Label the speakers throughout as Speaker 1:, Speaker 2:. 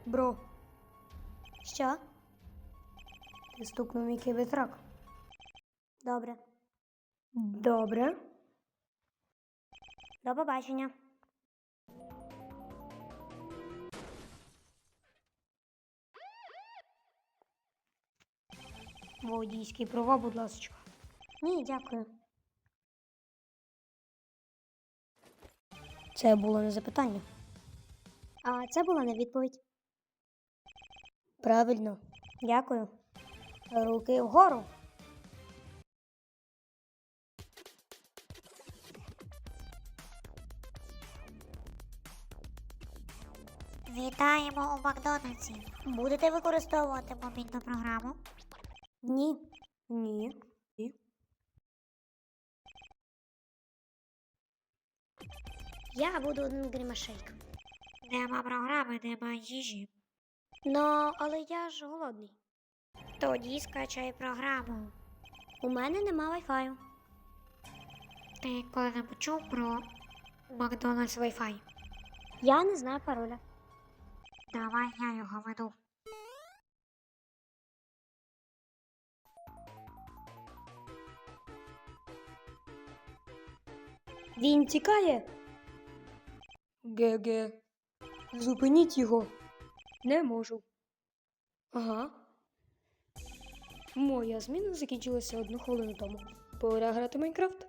Speaker 1: Бро,
Speaker 2: Що?
Speaker 1: ти стукнув мій кібертрак.
Speaker 2: Добре.
Speaker 1: Добре.
Speaker 2: До побачення.
Speaker 1: Водійські права, будь ласка.
Speaker 2: Ні, дякую.
Speaker 1: Це було не запитання.
Speaker 2: А це була не відповідь.
Speaker 1: Правильно.
Speaker 2: Дякую.
Speaker 1: Руки вгору.
Speaker 3: Вітаємо у Макдональдсі. Будете використовувати мобільну програму?
Speaker 2: Ні.
Speaker 1: Ні.
Speaker 2: Я буду один грімашейк.
Speaker 3: Нема програми, нема їжі.
Speaker 2: Але я ж голодний.
Speaker 3: Тоді скачай програму.
Speaker 2: У мене нема вайфаю.
Speaker 3: Ти коли-небудь чув про Макдональдс Wi-Fi?
Speaker 2: Я не знаю пароля.
Speaker 3: Давай я його веду.
Speaker 1: Він тікає. Ге-ге. Зупиніть його. Не можу. Ага. Моя зміна закінчилася 1 хвилину тому. Пора грати в Майнкрафт.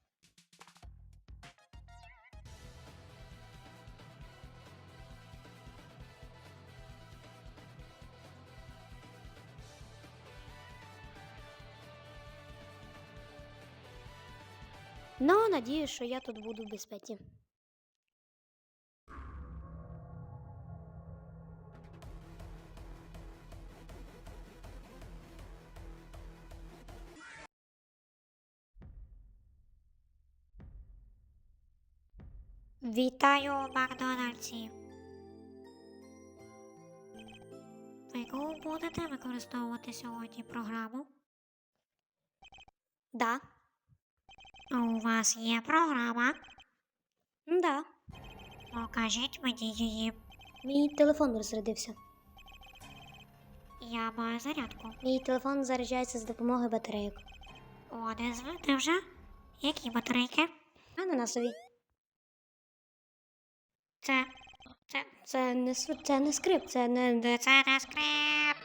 Speaker 2: Надіюсь, що я тут буду в безпеці.
Speaker 3: Вітаю у Макдональдсі. Ви будете використовувати сьогодні програму?
Speaker 2: Да.
Speaker 3: У вас є програма?
Speaker 2: Да.
Speaker 3: Покажіть мені її.
Speaker 2: Мій телефон розрядився.
Speaker 3: Я маю зарядку.
Speaker 2: Мій телефон заряджається з допомогою батарейок.
Speaker 3: Одезвити вже? Які батарейки?
Speaker 2: Ананасові.
Speaker 3: Це
Speaker 2: Це не скрип, це не.
Speaker 3: це не скрип.